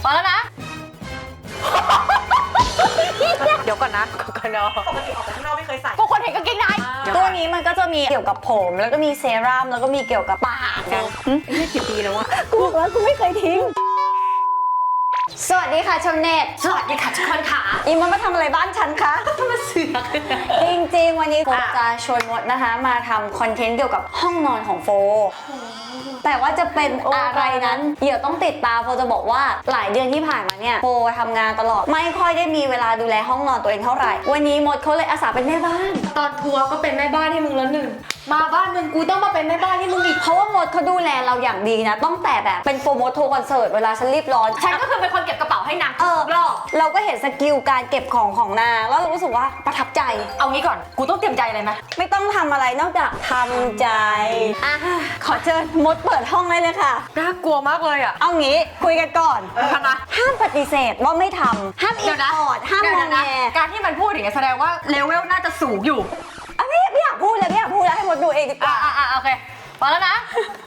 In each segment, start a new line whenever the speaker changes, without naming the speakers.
พอแล้วนะเดี๋ยวก่อนนะก่อนเนาะ
ปกติออกไปข้างนอกไม่เคยใส่
พวกคนเห็นกางเกงใน
ตัวนี้มันก็จะมีเกี่ยวกับผมแล้วก็มีเซรั่มแล้วก็มีเกี่ยวกับปากนะ
นี่กี่ปีแล้ววะ
กูบอกว่ากูไม่เคยทิ้งสวัสดีค่ะชมเน็ต
สวัสดีค่ะทุกคนค่ะ
อีมดมาทำอะไรบ้านฉันคะ
มาเสือก
จริงๆวันนี้โฟจะชวนมดนะคะมาทำคอนเทนต์เกี่ยวกับห้องนอนของโฟแต่ว่าจะเป็นอะไรนั้นเดี๋ยวต้องติดตามโฟจะบอกว่าหลายเดือนที่ผ่านมาเนี่ยโฟทำงานตลอดไม่ค่อยได้มีเวลาดูแลห้องนอนตัวเองเท่าไหร่วันนี้มดเขาเลยอาสาเป็นแม่บ้าน
ตอนทัวร์ก็เป็นแม่บ้านให้มึงแล้วหนึ่งมาบ้านมึงกูต้องมาเป็นแม่บ้านให้มึงอีก
เพราะว่ามดเขาดูแลเราอย่างดีนะต้องแต่แบบเป็นโฟมดทัวร์คอนเสิร์ตเวลาฉันรีบร้อน
ฉันก็คือเป็นคนเก็บกระเป๋าให้นางรอบ
เราก็เห็นสกิลการเก็บของนางแล้วเรารู้สึกว่าประทับใจ
เอางี้ก่อนกูต้องเตรียมใจอะไรไหม
ไม่ต้องทำอะไรนอกจากทำใจขอเชิญมดเปิดห้องได้เลยค่ะ
น่ากลัวมากเลยอ่ะ
เอางี้คุยกันก่อน
นะ
ห้ามปฏิเสธว่าไม่ทำห้ามอิดออดห้ามงอแง
การที่มันพูดอย่างนี้แสดงว่าเลเวลน่าจะสูงอยู่
ไม่อยากพูดเลยไม่อยากพูดแล้วให้มดดูเองดีกว่า
โอเคพอแล้วนะ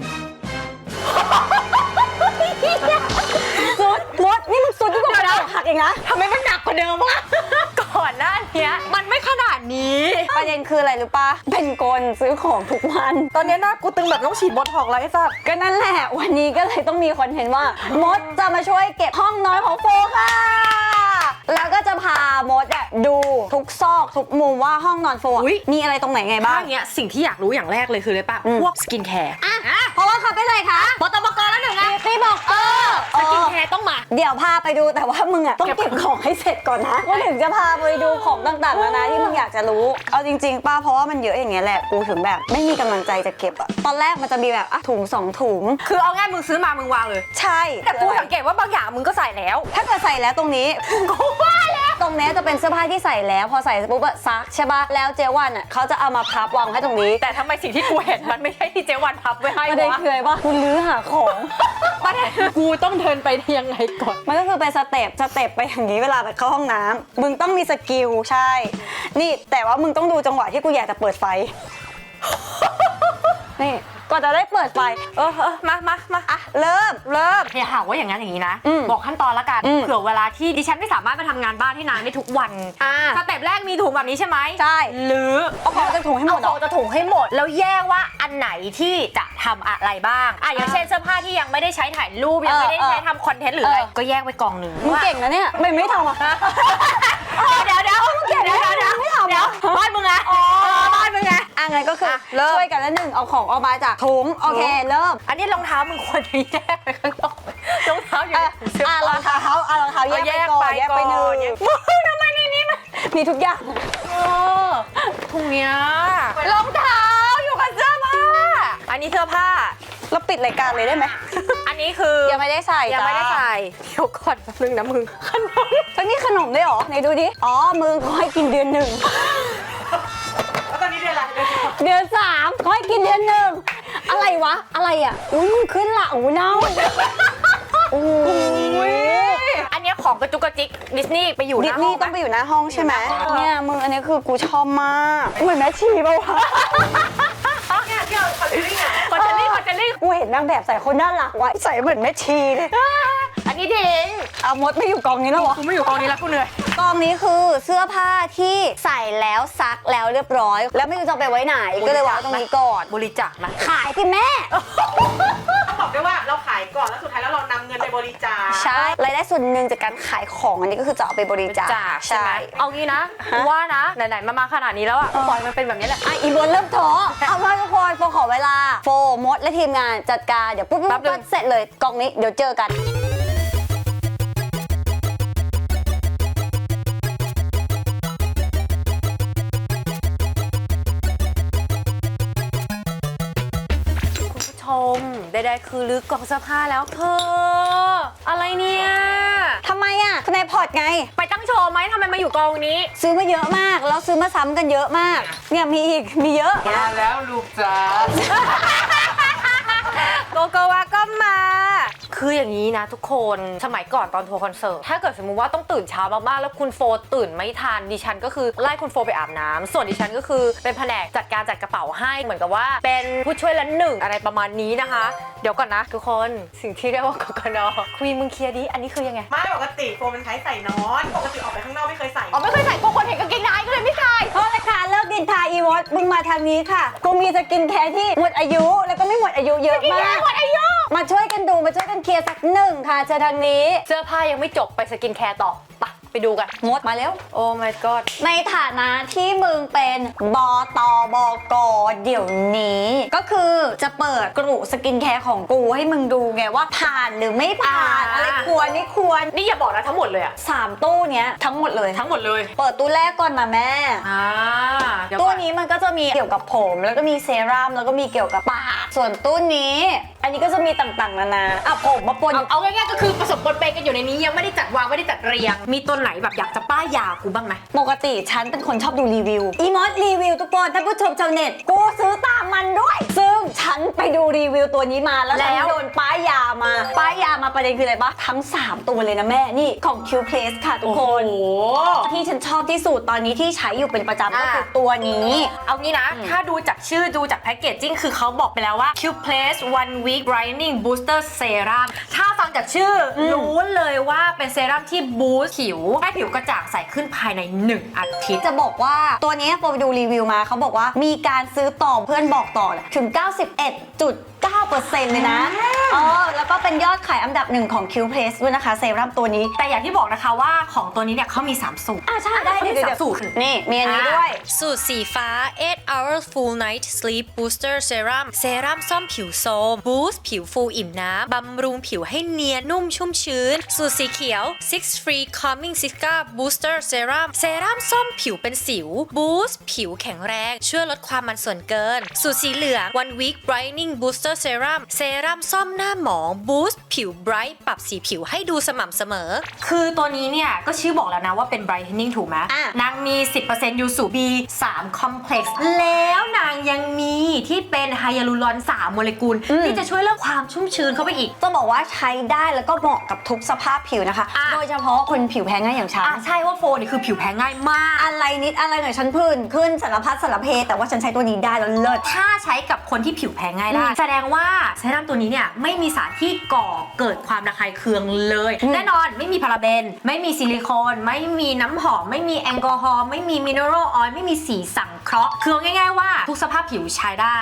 สุดมดนี่มันสุดที่กว่าเราหักเองนะ
ทำไมมันหนักกว่าเดิมวะก่อนหน้านี้มันไม่ขนาดนี้
ประเด็นคืออะไรรู้ปะเป็นกลซื้อของทุกวัน
ตอนนี้หน้ากูตึงแบบต้องฉีดบอท็อกซ์แล้วไอ้สัส
ก็นั่นแหละวันนี้ก็เลยต้องมีคอนเทนต์ว่ามดจะมาช่วยเก็บห้องนอนของโฟค่ะแล้วก็จะพามดดูทุกซอกทุกมุมว่าห้องนอนโฟมีอะไรตรงไหนไงบ้าง
อย่างเงี้ยสิ่งที่อยากรู้อย่างแรกเลยคืออะไรปะพวกสกินแคร์
เพราะว่าเขาเป็นอะไรคะ
บตบกแล้วหนึ่งอะ
ตีบอก
สกินแคร์ต้องมา
เดี๋ยวพาไปดูแต่ว่ามึงอะต้องเก็บของให้เสร็จก่อนนะว่าถึงจะพาไปดูของต่างๆนานาที่มึงอยากจะรู้เอาจริงๆป้าเพราะว่ามันเยอะอย่างเงี้ยแหละกูถึงแบบไม่มีกำลังใจจะเก็บอะตอนแรกมันจะมีแบบถุง2ถุง
คือเอาง่ายมึงซื้อมามึงวางเลย
ใช่
แต่กูสังเกตว่าบางอย่างมึงก็ใส่แล้ว
ถ้าเกิดใส่แล้วตรงนี้
กูว่าแล้ว
ตรงนี้จะเป็นเสื้อผ้าที่ใส่แล้วพอใส่ปุ๊บอะซักใช่ป่ะแล้วเจวันอะเขาจะเอามาพับวางให้ตรงนี้
แต่ทำไมสิ่งที่กูเห็นมันไม่ใช่ที่เจวันพับไว้ให้วะ
ประเด็นคืออะไรวะคุณลื้อหาของ
ประเด็นคือกูต้องเดินไปยังไงก่อน
มันก็คือเป็นสเต็ปไปอย่างนี้เวลาไปเข้าห้องน้ำมึงต้องมีสกิลใช่นี่แต่ว่ามึงต้องดูจังหวะที่กูอยากจะเปิดไฟนี่ก็จะได้เปิดไฟ
มา
เริ่ม
อย่าหาว่าอย่างนั้นอย่างนี้นะบอกขั้นตอนละกันเผื่อเวลาที่ดิฉันไม่สามารถมาทำงานบ้านที่นานได้ทุกวันสเต็ปแรกมีถุงแบบนี้ใช่ไหม
ใช่
หรือ
เอาของจะถุงให้หมด
จะถุงให้หมดแล้วแยกว่าอันไหนที่จะทำอะไรบ้างอย่างเช่นเสื้อผ้าที่ยังไม่ได้ใช้ถ่ายรูปยังไม่ได้ใช้ทำคอนเทนต์หรืออะไรก็แยกไว้กองหนึ่ง
มึงเก่งนะเนี่ยไม่ทำอ่ะ
เดี๋ยวไม่ทำบ้านมึงไงบ้านมึงไง
งั้นก็คือช่วยกันแล้วหนึ่งเอาของออกมาจากถุงโอเคเริ่ม
อันนี้รองเท้ามึงควรจะแยกไปข้างนอกรองเท้าอยู่
รองเท้าแยกไปหนึ่ง
ทำไมในนี้มัน
มีทุกอย่าง
ถุงเนี้ยรองเท้าอยู่กับเสื้อผ้าอันนี้เสื้อผ้า
เราปิดรายการเลยได้ไหม
อันนี้คือ
ยังไม่ได้ใส่
เดี๋ยวก่อนแป๊บนึงนะมึงขนม
ตอนนี้ขนมได้หรอไหนดูดิมึงเขาให้กินเดือน1
แล้วตอนนี้เดือนอะไร
เดือน3เขาให้กินเดือน1อะไรวะอะไรอ่ะขึ้นละเน่า
อันนี้ของกระจุกกระจิกดิสนีย์ไปอยู่
ดิสนีย์ต้องไปอยู่หน้าห้องใช่ไหมเนี่ยมึงอันนี้คือกูชอบมากเหมือนแม่ชีป่าวะ
คอนเทนลี่
กูเห็นนางแบบใส่คนน่ารักว่ะใส่เหมือนแม่ชีเลย
อันนี้ดิง
มดไม่อยู่กองนี้แล้ววะ
กูไม่อยู่กองนี้แล้วกูเหนื่อย
กองนี้คือเสื้อผ้าที่ใส่แล้วซักแล้วเรียบร้อยแล้วไม่รู้จะไปไว้ไหนก็เลยวางตรงนี้ก่อน
บริจาคนะ
ขายสิแม่
ต้องบอกด้วยว่าเราขายก่อนแล้วสุดท้ายแล้วเรานำเงินไปบริจาค
ใช่รายได้ส่วนหนึ่งจากการขายของอันนี้ก็คือจะเอาไปบริจาค
ใช่เอางี้นะว่านะไหนๆมาขนาดนี้แล้วอะปล่อยมันเป็นแบบนี้แหละ
อีบนเริ่มท้อเอาว่าทุกคนโฟขอเวลาโฟมดและทีมงานจัดการเดี๋ยวปุ๊บเสร็จเลยกองนี้เดี๋ยวเจอกัน
ใดๆคือลึกกล่องเสื้อผ้าแล้วเธออะไรเนี่ย
ทำไมอ่ะคุณนายพอร์ตไง
ไปตั้งโชว์ไหมทำไมมาอยู่กองนี้
ซื้อมาเยอะมากแล้วซื้อมาซ้ำกันเยอะมากเนี่ยมีเยอะ
มาแล้วลูกจ๋า
โกโกวาก็มาคืออย่างนี้นะทุกคนสมัยก่อนตอนทัวร์คอนเสิร์ตถ้าเกิดสมมุติว่าต้องตื่นเช้ามากๆแล้วคุณโฟตื่นไม่ทันดิฉันก็คือไล่คุณโฟไปอาบน้ำส่วนดิฉันก็คือเป็นแผนกจัดการจัดกระเป๋าให้เหมือนกับว่าเป็นผู้ช่วยละหนึ่งอะไรประมาณนี้นะคะ เดี๋ยวก่อนนะทุกคนสิ่งที่เรียกว่ากกน.คุยมึงเคลียร์ดิอันนี้คือยังไง
ไม่ปกติโฟมันใช้ใส่นอนปกติออกไปข้างนอกไม่เคยใส่
อ๋อไม่เคยใส่กลัวคนเห็นกางเกงในก็เลยไม่ใส่
โทษนะคะเลิกดินทาอีวอตมึงมาทางนี้ค่ะกูมีสกินแคร์ที่หมดอายุแล้วก็ไม่หมดอายุเยอะมาก
หมดอายุ
มาช่วยกันดูมาช่วยกันเคลียร์สักหนึ่งค่ะเจอทางนี้
เสื้อผ้ายังไม่จบไปสกินแคร์ต่อไปดูกัน
งดมาแล้ว
โอ้ my god
ในฐานะที่มึงเป็นบตบกเดี๋ยวนี้ ก็คือจะเปิดกลุ่มสกินแคร์ของกูให้มึงดูไงว่าผ่านหรือไม่ผ่านอะไรควรไม่ควร
นี่อย่าบอกนะทั้งหมดเลยอะ
3 ตู้เนี้ยทั้งหมดเลย
ทั้งหมดเลย
เปิดตู้แรกก่อนนะแม่
เดี๋ยว
ตู้
ก่อน
นี้มันก็จะมีเกี่ยวกับผมแล้วก็มีเซรั่มแล้วก็มีเกี่ยวกับปากส่วนตู้นี้ อันนี้ก็จะมีต่างๆนานาอ่ะผมมาปน
เอาง่ายๆก็คือผสมปนเปกันอยู่ในนี้ยังไม่ได้จัดวางไม่ได้จัดเรียง มีตัวไหนแบบอยากจะป้ายยากูบ้างไหม
ปกติฉันเป็นคนชอบดูรีวิวอีมอสรีวิวทุกคนท่านผู้ชมชาวเน็ตกูซื้อตามมันด้วย ซึ่งฉันไปดูรีวิวตัวนี้มาแล้วฉันโดนป้ายยามาประเด็นคืออะไรปะทั้ง 3 ตัวเลยนะแม่นี่ของ Q Place ค่ะทุกคน
โอ้โห
ที่ฉันชอบที่สุดตอนนี้ที่ใช้อยู่เป็นประจำก็คือตัวนี้
เอางี้นะ ถ้าดูจากชื่อดูจากแพ็กเกจจิ้งคือเขาบอกไปแล้วว่า Q Place One Week Brightening Booster Serum ถ้าฟังจากชื่อรู้เลยว่าเป็นเซรั่มที่บูสต์ผิวให้ผิวกระจ่างใสขึ้นภายใน 1 อาทิตย์
จะบอกว่าตัวนี้พอไปดูรีวิวมาเขาบอกว่ามีการซื้อต่อเพื่อนบอกต่อถึง 91.9% เลยนะแล้วก็เป็นยอดขายอันดับ 1 ของ Q Place ด้วยนะคะเซรั่มตัวนี้
แต่อย่างที่บอกนะคะว่าของตัวนี้เนี่ยเขามี 3 สูตร
ใช่ได้
เขามี
เดี๋ยว
3 สูตร
นี่มีอันนี้ด้วย
สูตรสีฟ้า 8 hours full night sleep booster serum เซรั่มซ่อมผิวโทรมบูสต์ผิวฟูอิ่มน้ำบำรุงผิวให้เนียนนุ่มชุ่มชื้น สูตรสีเขียว 6 free calming Sika booster serum เซรั่มซ่อมผิวเป็นสิวบูสต์ผิวแข็งแรงช่วยลดความมันส่วนเกิน สูตรสีเหลือง one week brightening booster serum เซรั่มซ่อมหน้าหมองบูสต์ผิว bright ปรับสีผิวให้ดูสม่ำเสมอ
คือตัวนี้เนี่ยก็ชื่อบอกแล้วนะว่าเป็น brightening ถูกไหม
อ่ะ
นางมี 10% ยูสุ B3 complex แล้วนางยังมีที่เป็นไฮยาลูรอน 3 โมเลกุล ที่จะช่วยเรื่องความชุ่มชื้นเข้าไปอีก
ต้องบอกว่าใช้ได้แล้วก็เหมาะกับทุกสภาพผิวนะคะ
อ่ะ
โดยเฉพาะคนผิวแพ้ง่ายอย่างฉัน
ใช่ว่าโฟนี่คือผิวแพ้ง่ายมาก
อะไรนิดอะไรหน่อยฉันผื่นขึ้นสารพัดสารเพแต่ว่าฉันใช้ตัวนี้ได้แล้วเลิศ
ถ้าใช้กับคนที่ผิวแพ้ง่ายได้ แสดงว่าเซรั่มตัวนี้เนี่ยไม่มีสารที่ก่อเกิดความระคายเคืองเลย แน่นอนไม่มีพาราเบน ไม่มีซิลิโคน ไม่มีน้ำหอม ไม่มีแอลกอฮอล์ไม่มีมิเนอรัลออยล์ไม่มีสีสังเคราะห์คือง่ายๆว่าทุกสภาพผิวใช้ได้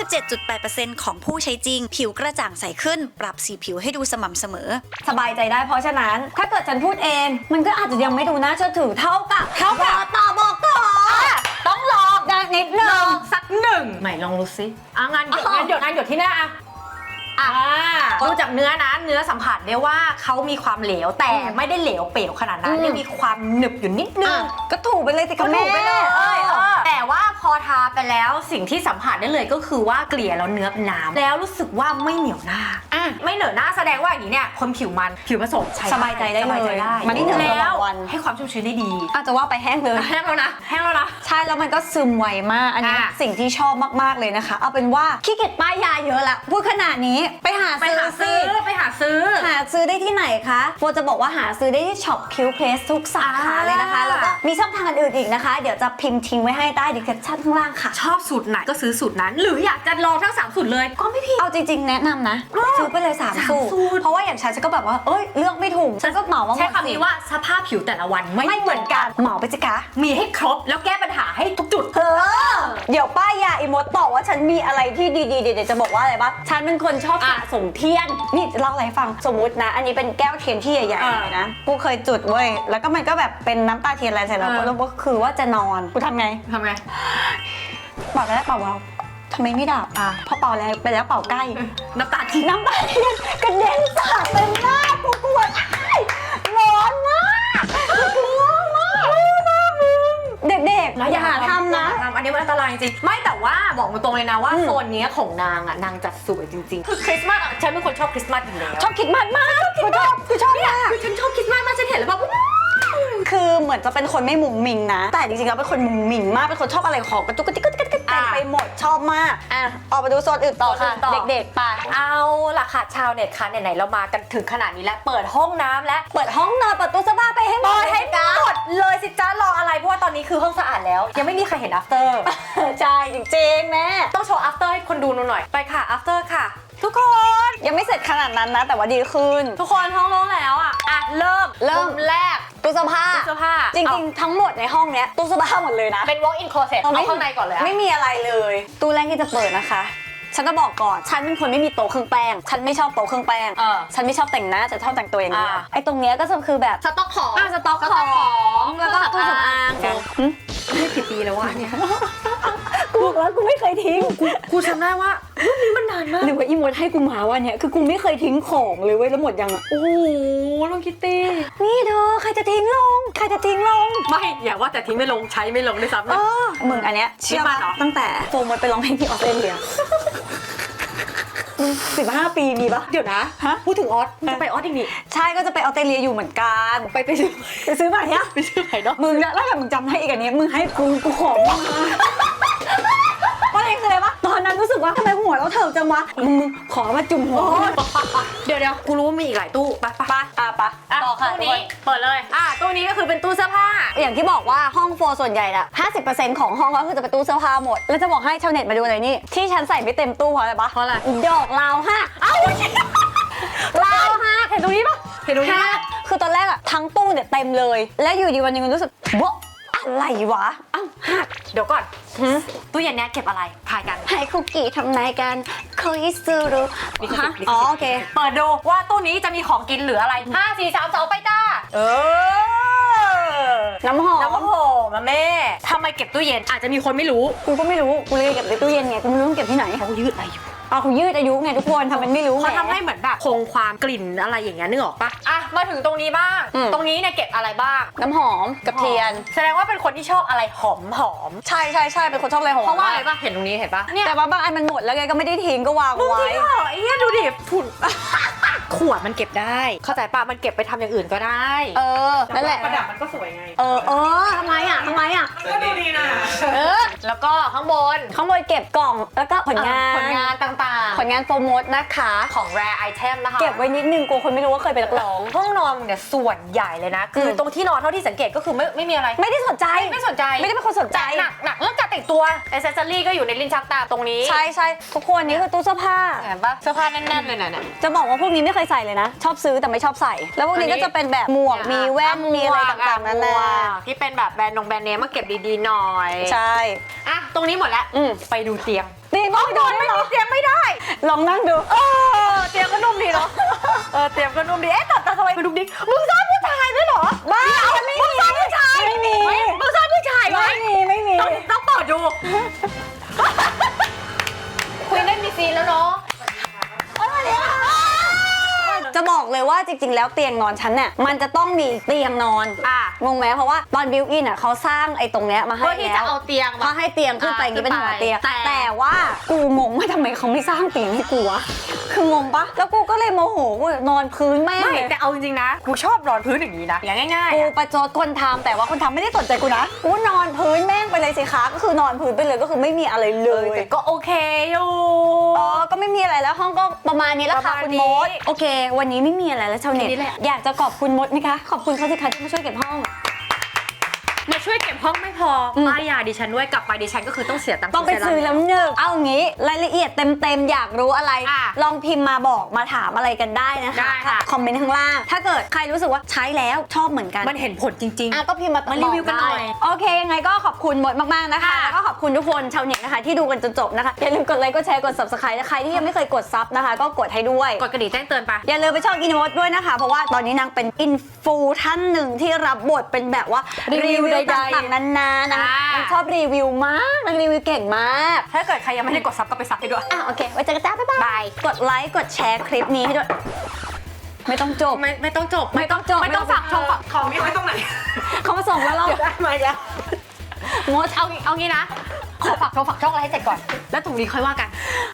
97.8% ของผู้ใช้จริง ผิวกระจ่างใสขึ้น ปรับสีผิวให้ดูสม่ำเสมอ
สบายใจได้เพราะฉะนั้น ถ้าเกิดฉันพูดเอง มันก็อาจจะยังไม่ดูน่าเชื่อถือเท่ากับต่อบอกก่อน
ต้องลอง
ดังนิดนึ
ลอง งสักหนึ่งไหนลองดูสิงานหยดที่หน้าดูจากเนื้อนะเนื้อสัมผัสได้ว่าเขามีความเหลวแต่ไม่ได้เหลวเป๋วขนาดนั้นยังมีความหนึบอยู่นิดนึง
ก็ถูกไปเลยสิคะแม่
ถูกไปเลยแต่ว่าพอทาไปแล้วสิ่งที่สัมผัสได้เลยก็คือว่าเกลี่ยแล้วเนื้อเป็นน้ำแล้วรู้สึกว่าไม่เหนียวหน้าไม่เหนอะหน้าแสดงว่าอย่างนี้เนี่ยคนผิวมันผิวผสมใช้
สบายใจได้เลย
สบายใจได้
มันนี่เหนือ
แล้ว
วัน
ให้ความชุ่มชื้นได้ดี
อาจจะว่าไปแห้งเลย
แห้งแล้วนะ
ใช่แล้วมันก็ซึมไวมากอันนี้สิ่งที่ชอบมากๆเลยนะคะ เอาเป็นว่าขี้เกียจป้ายยาเยอะละพูดขนาดนี้ไปหาซื้อได้ที่ไหนคะโฟจะบอกว่าหาซื้อได้ที่ช็อป Q Place ทุกสาขาเลยนะคะแล้วก็มีช่องทางอื่นอีกนะคะเดี๋ยวจะพิมพ์ทิ้งไว้ให้ใต้ดีคริปชั่นข้างล่างค่ะ
ชอบสูตรไหนก็ซื้อสูตรนั้น หรืออยากจะลองทั้ง3สูตรเลยก็ไม่ผิด
เอาจริงๆแนะนำนะซื้อไปเลย3สูตรเพราะว่าอย่างฉันก็แบบว่าเอ้ยเลือกไม่ถูกฉันก็เหมาว่าหม
ใช้
ด
คำนี้ว่าสภาพผิวแต่ละวันไม่
ไม่เหมือนกันเหมาไปจิกะ
มีให้ครบแล้วแก้ปัญหาให้ทุกจุด
เดี๋ยวป้ายยาอีมดบอกว่าฉันมีอะไรที่ดีๆเดี๋ยวจะบอกว่าอะไรบ้างฉันเป็นคนชอบสะสมเทียนนี่จะเล่าอะไรให้ฟังสมมุตินะ อันนี้เป็นแก้วเทียนที่ใหญ่ๆเลยนะกูเคยจุดเว้ยแล้วก็มันก็แบบเป็นน้ำตาเทียนอะไรเสร็จแล้วก็คือว่าจะนอนกูทำไง
ทำไง
เป่าแล้วเป่าเบาทำไมไม่ดับพอเป่าแล้วไปแล้วเป่าใกล้
น้ำตาที่
น้ำตาเทียนกระเด็นสาดเต็มหน้ากูปวดร้อนมากกลัวมากเด็กๆอย่าหาทำนะ
อันนี้มันอันตรายจริงไม่แต่ว่าบอกตรงเลยนะว่าโซนนี้ของนางอ่ะนางจัดสวยจริงๆคือคริสต์มาสฉันเป็นคนชอบคริสต์มาสอยู่แล้ว
ชอบคิดมากมากกูชอบมาก
คือฉันชอบคริสต์มาสมากฉันเห็นแล้วแบบ
คือเหมือนจะเป็นคนไม่มุงมิงนะ แต่จริงๆแล้วเป็นคนมุงมิงมากเป็นคนชอบอะไรของกระตุกกระติกกระติกกระติกไปหมดชอบมากอ่ะออกมาดูโซนอื่นต่อค่ะ
โซนอื่นต่อ
เด็กๆไป
เอาล่ะค่ะชาวเน็ตคะไหนๆเรามากันถึงขนาดนี้แล้วเปิดห้องน้ำและ
เปิดห้องนอนเปิดตู้เสื้อผ้าไปให้หม
เปิ
ด
ดให้หมดเลยสิจ้ารออะไรเพราะว่าตอนนี้คือห้องสะอาดแล้ว ยังไม่มีใครเห็น after
ใช่จริงๆแม่
ต้องโชว์ after ให้คนดูหน่อยไปค่ะ after ค่ะ ทุกคน
ยังไม่เสร็จขนาดนั้นนะ แต่ว่าดีขึ้น
ทุกคนห้องโล่งแล้วอ่ะเริ่มมุมแรก
ตู้เสื้อผ้า
ตู้เสื้อผ้า
จริงๆทั้งหมดในห้องเนี้ยตู้เสื้อผ้าหมดเลยนะ
เป็น walk in closet เอาข้างในก่อนเลยอะ
ไม่มีอะไรเลย ตู้แรกที่จะเปิดนะคะ ฉันจะบอกก่อน ฉันเป็นคนไม่มีโต๊ะเครื่องแป้ง ฉันไม่ชอบโต๊ะเครื่องแป้ง ฉันไม่ชอบแต่งหน้าจะชอบแต่งตัวอย่างเดียวไอ้ตรงเนี้ยก็จะคือแบบ
สต็อกของ
สต็อกของแล้วก็ตู้สำอาง
ไม่กี่ปีแล้ววะเนี่ย
กูบอกแล้วกูไม่เคยทิ้ง
กูจำได้ว่ารูปนี้มันนานมาก
หรือว่าอีโมดให้กูมาวันเนี้ยคือกูไม่เคยทิ้งของเลยเว้ยแล้วหมดยังอ่ะ
โอ้โหลุงคิตตี้
นี่เธอใครจะทิ้งลง ใครจะทิ้งลง
ไม่อย่าว่าแต่ทิ้งไม่ลงใช้ไม่ลงด้วยซ้ำ
เอ
นะ
อมึงอันเนี้ยเชื่อ
นี่มั
ป่ะ
นเหรอ
ตั้งแต่โฟมดไปร้องเพลงที่ออสเตรเลียมึง15 ปีมีปะ
เดี๋ยวนะ
ฮะ
พูดถึงออสมึงจะไปออสอีกนี่
ใช่ก็จะไปออสเตรเลียอยู่เหมือนกันไปซื้อใหม่เนี่ย
ไปชื่อไหนเนาะ
มึงแล้วถ้ามึงจำได้อีกอันนี้มึงให้กูขอมาว่าอะไรคืออะไรวะตอนนั้นรู้สึกว่าทำไมหัวเราเถิกจังวะมึงขอมาจุ่มหัว
เดี๋ยวกูรู้ว่ามีอีกหลายตู้ไปไป
ปะปะ
อ่ะ
ต่อค่ะ
ตู้
ทุก
นี้
คน
เปิดเลยตู้นี้ก็คือเป็นตู้เสื้อผ้า
อย่างที่บอกว่าห้องโฟร์ส่วนใหญ่อะ50%ของห้องก็คือจะเป็นตู้เสื้อผ้าหมด แล้วจะบอกให้ชาวเน็ตมาดูหน่อยนี่ ที่ฉันใส่ไม่เต็มตู้เพราะอะไรปะ
เพราะอะไร
ดอกลาวหักเอ้าลาวหักเห็นตรงนี้ปะ
เห็นตรงนี้
หักคือตอนแรกอะทั้งตู้เนี่ยเต็มเลย แล้วอยู่ดีวันหนึงรู้สึกวะอะไรวะเอ้าหัก
เดี๋ยวก่อนตู้เย็นเนี้ยเก็บอะไรทายกัน
ให้คุกกี้ทำนายกันคุยซูรุ
ลิขสิทธิ์ลิขสิทธิ์
อ๋อโอเค
เปิดดูว่าตู้นี้จะมีของกินหรืออะไร5 4 3 2ไปจ้า
น้ำหอ
น้ำ
ม
หอมแม่ทำไมเก็บตู้เย็นอาจจะมีคนไม่รู้
กูก็ไม่รู้กูเลยเก็บในตู้เย็นไงกูไม่รู้ต้องเก็บที่ไหน
เขายืดอายุ
เอาเขายืดอายุไงทุกคนทำเป็นไม่รู้
เขา
แหม
ทำให้เหมือนแบบคงความกลิ่นอะไรอย่างเงี้ยนึกออกปะอ่ะมาถึงตรงนี้บ้าง ตรงนี้เนี่ยเก็บอะไรบ้าง
น้ำหอมกับเทียน
แสดงว่าเป็นคนที่ชอบอะไรหอม
ใช่เป็นคนชอบอะไรหอม
เพราะว่าอะไรปะเห็นตรงนี้เห็นปะเนี่ย
แต่ว่าบางอันมันหมดแล้วไงก็ไม่ได้ทิ้งก็วาง
มึง
ไว้
จริงเหรอไอ้เหี้ยดูดิฝุ่น ขวดมันเก็บได้ เข้าใจปะมันเก็บไปทำอย่างอื่นก็ได้
นั่นแหละ
ประดับมันก็สวยไง
ทำไมอ่ะ
มันก็ดูดีนะ
แล้วก็ข้างบน
ข้างบนเก็บกล่องแล้วก็ผลงาน
ผลงานต่างๆ
ผลงานโปรโมทนะคะ
ของ rare item นะคะ
เก็บไว้นิดนึงกลัวคนไม่รู้ว่าเคยเป็นนักร้อง
ห้องนอนเนี่ยส่วนใหญ่เลยนะ คือตรงที่นอนเท่าที่สังเกตก็คือไม่มีอะไร
ไม่ได้สนใจ
ไม่สนใจ
ไม่ได้เป็นคนสนใจ
หนักเรื่องการแต่งตัวอ c เซสซอรี่ก็อยู่ในลิ้นชักตาตรงนี้
ใช่ทุกคนนี่คือตู้เสื้อผ้า
เห็นปะเสื้อผ้าแน่นๆเลยน่ะ
จะบอกว่าพวกนี้ไม่เคยใส่เลยนะ ชอบซื้อแต่ไม่ชอบใส่ แล้วพวกนี้ก็จะเป็นแบบหมวกมีแว่นมีอะไรต่างๆนั่นแหละ
ที่เป็นแบบแบรนด์เนมมาเก็บดีๆหน่อย
ใช่
อ่ะตรงนี้หมดแล้ว ไปดูเตียง
นี่ห้องนอน
ไม่มีเตียงไม่ได้
ลองนั่งดู
เตียงก็นุ่มดีเนาะเตียงก็นุ่มดีแต่ทำไมไปดูดิมึงซ่อนผู้ชายด้วยเหรอ
บ้าไม่มี
มึงซ่อนผู้ชาย
ไม่มี
มึงซ่อนผู้ชายไว้
ไม่มี
ต้องเปิดดู คุยได้มีซีนแล้วเนาะ
จะบอกเลยว่าจริงๆแล้วเตียงนอนฉันเนี่ยมันจะต้องมีเตียงนอนงงไหมเพราะว่าตอนบิวอินอ่ะเขาสร้างไอ้ตรงเนี้ยมาให้
เพื่อที่
แล้
จะ
ว
เอาเตียง
มาให้เตียงขึ้นไปอย่างนี้เป็นหัวเตียง
แต่
แต่ว่ากูงงว่าทำไมเขาไม่สร้างเตียงให้กูวะคืองงปะแล้วกูก็เลยโมโหกูนอนพื้นแม่ง
ไม่
เลย
แต่เอาจริงๆนะกูชอบนอนพื้นอย่างนี้นะอย่างง่ายๆ
กู
อะ
ประจดคนทำแต่ว่าคนทำไม่ได้สนใจกูนะกูนอนพื้นแม่งไปเลยสิคะก็คือนอนพื้นไปเลยก็คือไม่มีอะไรเลย
แต่ก็โอเคอยู่
ก็ไม่มีอะไรแล้วห้องก็ประมาณนี้แล้วค่ะ
ประมาณ
คุณ
นี้
มดโอเค วันนี้ไม่มีอะไรแล้วชาวเน็ต
แค่นี้แหละ
อยากจะขอบคุณมดไหมคะขอบคุณเขาสิคะที่มาช่วยเก็บห้อง
มาช่วยเก็บห้องไม่พอป้ายยาดิฉันด้วยกลับไปดิฉันก็คือต้องเสียตังค์
ต้องไปซื้อแล้วหนึ่งเอางี้รายละเอียดเต็มๆอยากรู้อะไร ลองพิมพ์มาบอกมาถามอะไรกันได้นะคะ
ได้ค่ะ
คอมเมนต์ข้างล่างถ้าเกิดใครรู้สึกว่าใช้แล้วชอบเหมือนกัน
มันเห็นผลจริง
ก็พิมพ์มา
มารีวิวกันหน่อย
บได้โอเคยังไงก็ขอบคุณมดมากๆนะคะ
ค่ะ
แล้วก็ขอบคุณทุกคนชาวเน็ตนะคะที่ดูกันจนจบนะคะอย่าลืมกดไลค์กดแชร์กด subscribe นะใครที่ยังไม่เคยกดซับนะคะก็กดให้ด้วย
กดกระดิ่งแจ้งเตือนไป
อย่าลืมไปช่องอินโมดด้วยนะคะ เพราะว่าตอนนี้นางเป็นอินฟูท่านหนึ่งที่รับบทเป็นแบบว่า
รีวิวใดๆ
ต่างๆนานานะ
อ่าน
นางชอบรีวิวมากนางรีวิวเก่งมาก
ถ้าเกิดใครยังไม่ได้กดซับก็ไปซับให้ด้วย
โอเคไว้เจอกันจ้าบ๊ายบายกดไลค์กดแชร์คลิปนี้ให้ด้วยไม่ต้องจบ
ไม่ต้องจบ
ไม่ต้องจบ
ไม่ต้องฝากช่องฝาก
ของนี่ไว้ตรงไหน
เขามาส่งแล้วเรา
ได้ไหมแล้ว
มด
เอางี้นะ ขอฝากช่องอะไรให้เสร็จก่อน แล้วตรงนี้ค่อยว่ากัน